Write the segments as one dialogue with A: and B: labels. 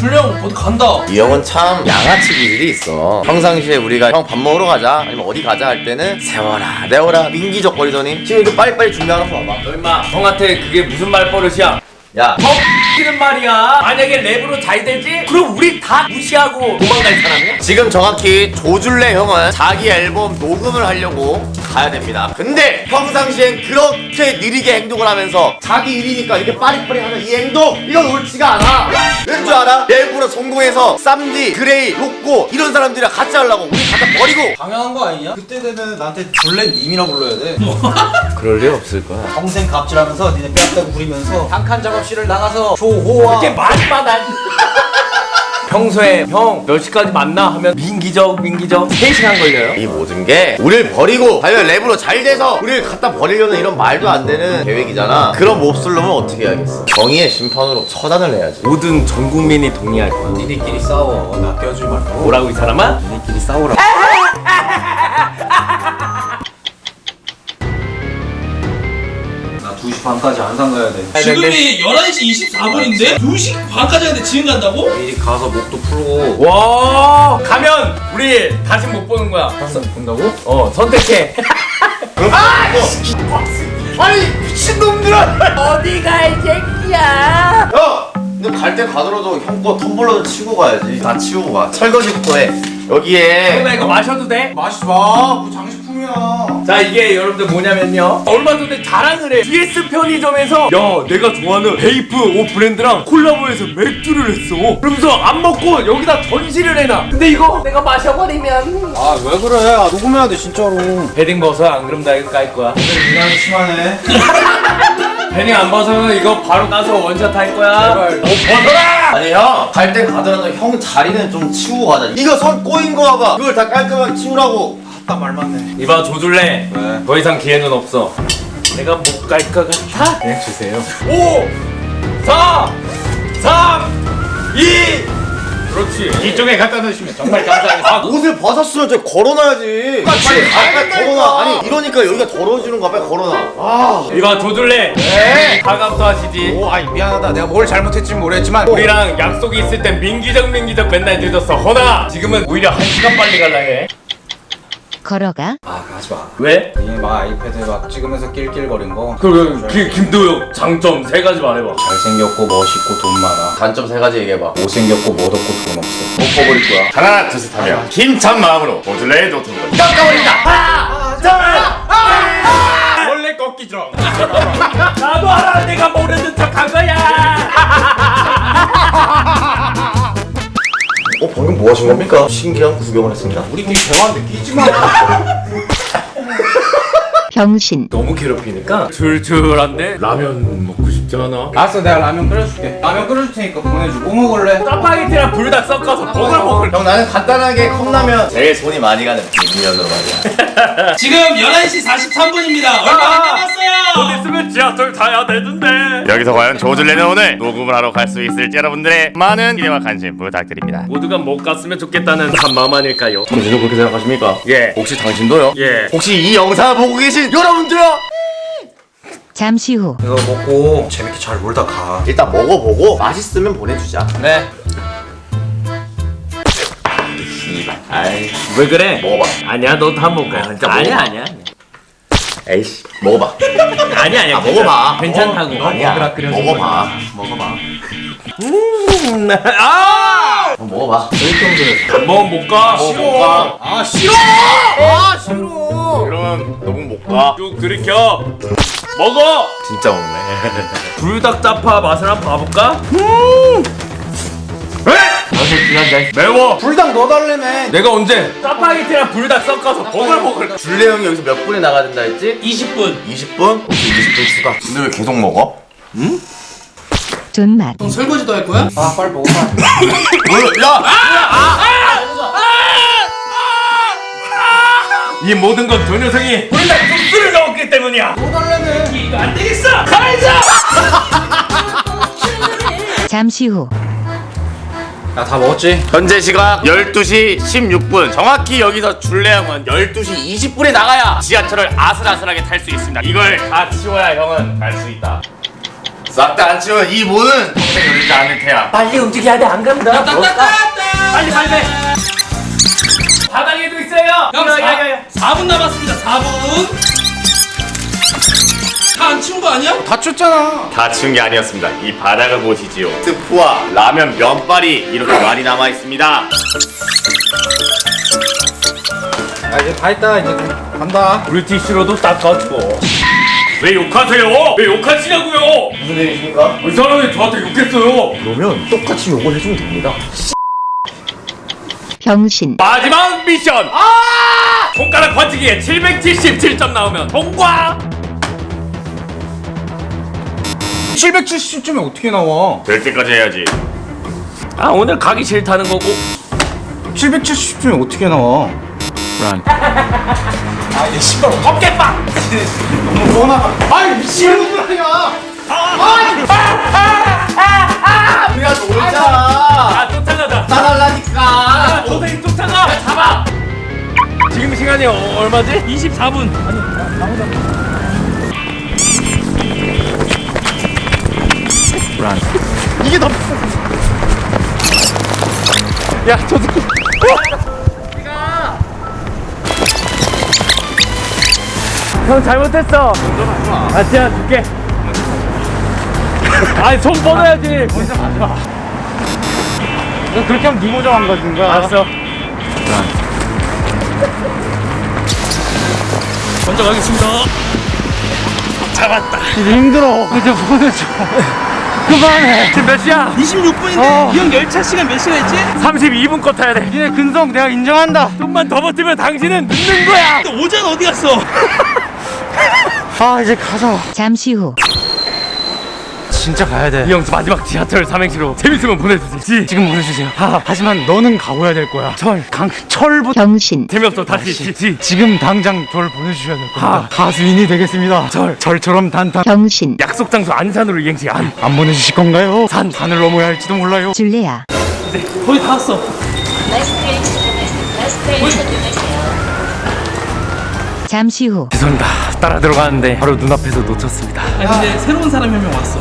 A: 줄령 어디 간다.
B: 이 형은 참 양아치 기질이 있어. 평상시에 우리가 형 밥 먹으러 가자 아니면 어디 가자 할 때는 세워라 내워라 민기적거리더니 지금 이거 빨리빨리 준비하라고 봐봐.
A: 너 임마 형한테 그게 무슨 말버릇이야?
B: 야
A: 는 말이야. 만약에 랩으로 잘 되지? 그럼 우리 다 무시하고 도망갈 사람이야?
B: 지금 정확히 조줄래 형은 자기 앨범 녹음을 하려고 가야 됩니다. 근데 평상시엔 그렇게 느리게 행동을 하면서 자기 일이니까 이렇게 빠리빠리 하는 이 행동 이건 옳지가 않아. 왠 줄 알아? 일부러 성공해서 쌈디, 그레이, 로꼬 이런 사람들이랑 같이 하려고 우리 갖다 버리고.
C: 당연한 거 아니냐? 그때 되면 나한테 줄렌님이라 불러야 돼.
B: 그럴 일 없을 거야.
C: 평생 갑질하면서 니네 뺨따고 부리면서 한 칸 작업실을 나가서 조호와
A: 이렇게 말만 안 평소에 형 몇 시까지 만나 하면 민기적 3시간 걸려요.
B: 이 모든 게 우리를 버리고 과연 랩으로 잘 돼서 우리를 갖다 버리려는 이런 말도 안 되는 계획이잖아. 그런 몹쓸 놈은 어떻게 해야겠어? 정의의 심판으로 처단을 해야지.
A: 모든 전 국민이 동의할 거야.
C: 니네끼리 싸워. 나 껴주지 말고.
A: 뭐라고 이 사람아?
C: 니네끼리 싸우라고. 나 2시 반까지 안산 가야 돼.
D: 지금이 11시 24분인데 2시 반까지 하는데 지금 간다고?
C: 미리 가서 목도 풀고.
A: 와 가면 우리 다시 못 보는 거야.
C: 다시 본다고?
A: 선택해.
B: 아니 미친놈들아!
A: 어디 가 이 새끼야.
B: 야! 근데 갈 때 가더라도 형 거 텀블러도 치고 가야지. 다 치우고 가. 설거지부터 해. 여기에
A: 나 이거 마셔도 돼?
C: 마시지 마. 그거 장식품이야.
A: 자 이게 여러분들 뭐냐면요, 얼마 전에 자랑을 해. DS 편의점에서 야 내가 좋아하는 베이프 옷 브랜드랑 콜라보해서 맥주를 했어. 그러면서 안 먹고 여기다 전시를 해놔. 근데 이거 내가 마셔버리면
C: 아 왜 그래? 아 녹음해야 돼 진짜로.
A: 패딩 벗어. 안 그럼 나 이거 깔 거야.
C: 유난히 심하네.
A: 패딩 안 벗으면 이거 바로 까서 원샷 할 거야.
C: 제발.
A: 벗어라.
B: 아니 형 갈 때 가더라도 형 자리는 좀 치우고 가자. 이거 선 꼬인 거 봐봐. 그걸 다 깔끔하게 치우라고.
C: 딱 말 맞네.
A: 이봐 조줄래.
C: 왜?
A: 더 이상 기회는 없어. 내가 못 갈 것 같아?
C: 네 주세요.
A: 5 4 3 2 그렇지.
C: 이쪽에 갖다 놓으시면 정말 감사하겠습니다.
B: 옷을 벗었으면 저 걸어놔야지. 빨리 빨리 걸어놔. 아니 이러니까 여기가 더러워지는 거야. 빨리 걸어놔. 아
A: 이봐 조줄래.
B: 네.
A: 사과부터 하시지.
C: 오, 아이 미안하다. 내가 뭘 잘못했지 모르겠지만
A: 우리랑 약속이 있을 땐 민기적 맨날 늦었어. 허나 지금은 오히려 1시간 빨리 갈라 해.
E: 걸어가.
C: 아 하지 마.
A: 왜?
C: 이막 아이패드 막 찍으면서 낄낄거린 거.
A: 그럼 김도영 장점 3가지 말해봐.
C: 잘생겼고 멋있고 돈 많아.
B: 단점 3가지 얘기해봐.
C: 못생겼고 멋없고 돈 없어.
B: 못 퍼버릴 거야.
F: 하나 둘셋 하면 힘찬 마음으로 조줄레의 노트북을
A: 원래 꺾이죠. 나도 알아. 내가 모르는 척한 거야.
B: 방금 뭐 하신 겁니까? 신기한 구경을 했습니다.
C: 우리끼리 대화하는데 끼지 마.
E: 병신.
A: 너무 괴롭히니까 줄줄한데 라면 먹고 싶지 않아?
C: 알았어, 내가 라면 끓여줄게. 라면 끓여줄 테니까 보내줘. 뭐 먹을래?
A: 짜파게티랑 불닭 섞어서 보글보글.
B: 형 나는 간단하게 컵라면 제일 손이 많이 가는 비빔면으로 말이야.
D: 지금 11시 43분입니다. 얼마 안 남았어요.
A: 곧 있으면 지하철 타야 되는데.
F: 여기서 과연 조줄레는 오늘 녹음을 하러 갈 수 있을지 여러분들의 많은 기대와 관심 부탁드립니다.
A: 모두가 못 갔으면 좋겠다는 한 마음 아닐까요?
B: 당신도 그렇게 생각하십니까?
A: 예.
B: 혹시 당신도요?
A: 예.
B: 혹시 이 영상을 보고 계신 여러분들요?
E: 잠시 후.
C: 이거 먹고 재밌게 잘 놀다 가.
B: 일단 먹어보고 맛있으면 보내주자.
C: 네.
B: 씨발. 아이
A: 왜 그래?
B: 먹어봐.
A: 아니야, 너 다 먹어.
B: 진짜
A: 아니야,
B: 먹어봐.
A: 아니야.
B: 에이씨 먹어봐.
A: 아니야.
B: 아 먹어봐.
A: 괜찮다고.
B: 아니야. 먹어봐.
C: 먹어봐.
A: 아!
B: 형 먹어봐.
A: 안 먹으면 못 가.
B: 싫어.
C: 아 싫어.
B: 아 싫어.
F: 그럼 녹음 못 가.
A: 쭉 들이켜. 먹어.
B: 진짜 먹네.
A: 불닭 짜파 맛을 한번 봐볼까? 매워.
C: 불닭 넣어달래매.
A: 내가 언제 짜파게티랑 불닭 섞어서 보글보글.
B: 줄레 형이 여기서 몇 분에 나가야 된다 했지?
D: 20분.
B: 20분? 오케이 20분 추가. 근데 왜 계속 먹어?
E: 존맛.
D: 넌 설거지도 할 거야?
C: 아 빨리 먹어봐.
B: 야!
A: 이 모든 건 저 녀석이 불닭 소스를 넣었기 때문이야.
C: 넣어달래매.
D: 이거 안 되겠어. 가만있어.
E: 잠시 후.
C: 야 다 먹었지?
F: 현재 시각 12시 16분. 정확히 여기서 줄레 형은 12시 20분에 나가야 지하철을 아슬아슬하게 탈 수 있습니다. 이걸 다 치워야 형은 갈 수 있다.
B: 싹 다 안 치우면 이 모는 평생 열리지 않을 테야.
A: 빨리 움직여야 돼. 안 그러면 나
D: 따따따따.
A: 빨리 빨리. 바닥에도 있어요.
D: 형
A: 야야야.
D: 4분 남았습니다. 4분. 다 안 치운 거 아니야?
C: 다쳤잖아.
F: 다 치운 게 아니었습니다. 이 바닥을 보시지요.
B: 스프와 라면 면발이 이렇게 많이 남아 있습니다.
C: 아 이제 다 했다. 이제 간다.
A: 물티슈로도 닦아주고. 왜 욕하세요? 왜 욕하시냐고요?
B: 무슨 일이십니까?
A: 이 사람이 저한테 욕했어요.
B: 그러면 똑같이 요걸 해주면 됩니다.
E: 병신,
A: 마지막 미션. 손가락 번지기에 777점 나오면 통과.
C: 770점이 어떻게 나와?
F: 될 때까지 해야지.
A: 아 오늘 가기 싫다는 거고.
C: 770점이 어떻게 나와? 아 이제 신발
A: 어깨빵.
C: 너무 뻔하다. 아이 미치는 거 아니야.
B: 우리가 놀자.
A: 아 쫓아가자.
B: 따라라니까.
A: 도생이 쫓아가. 잡아. 지금 시간이 얼마지?
D: 24분.
C: 이게 더
A: 야, 저 새끼. 형 잘못했어. 아, 진짜 줄게. 아니, 손 뻗어야지.
C: 그렇게 하면 네 모자 망가진 거야.
A: 알았어.
D: 먼저 가겠습니다.
A: 잡았다.
C: 이제 힘들어. 이제 보내줘. 그만해.
A: 지금 몇 시야?
D: 26분인데 이 형 열차 시간 몇 시간 했지?
A: 32분 컷 타야 돼.
C: 니네 근성 내가 인정한다.
A: 좀만 더 버티면 당신은 늦는 거야.
D: 근데 오전 어디 갔어?
C: 아 이제 가자.
E: 잠시 후,
C: 진짜 가야 돼.
A: 이 형 마지막 지하철 삼행시로 재밌으면 보내주지.
C: 지금 보내주세요. 하지만 너는 가고야 될 거야. 철부터
E: 병신,
A: 재미없어. 다시.
C: 지금 당장 저를 보내주셔야 될 겁니다. 가수인이 되겠습니다. 절처럼 단단.
E: 병신,
A: 약속 장소 안산으로 이행시 안.
C: 안 보내주실 건가요? 산을 넘어야 할지도 몰라요.
E: 줄레아,
D: 거의 다 왔어.
E: 잠시 후,
A: 죄송합니다. 따라 들어가는데 바로 눈앞에서 놓쳤습니다.
D: 아니 근데 새로운 사람이 한 명 왔어.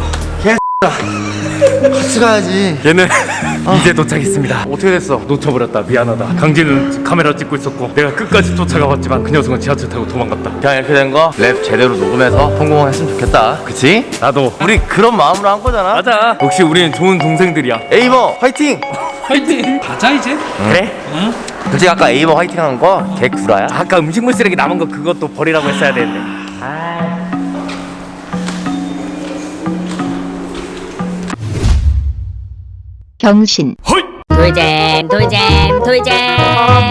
B: 같이 가야지.
A: 얘는 이제 도착했습니다.
B: 어떻게 됐어?
A: 놓쳐버렸다. 미안하다. 강진은 카메라 찍고 있었고 내가 끝까지 쫓아가봤지만 그 녀석은 지하철 타고 도망갔다.
B: 그냥 이렇게 된 거 랩 제대로 녹음해서 성공했으면 좋겠다. 그치?
A: 나도.
B: 우리 그런 마음으로 한 거잖아.
A: 맞아. 역시 우리는 좋은 동생들이야.
B: 에이머 화이팅!
D: 화이팅. 가자 이제.
A: 그래?
D: 응?
B: 솔직히 아까 에이머 화이팅 한 거 개 구라야.
A: 아까 음식물 쓰레기 남은 거 그것도 버리라고 했어야 되는데.
E: 병신,
A: 헐!
G: 돌잼 돌잼 돌잼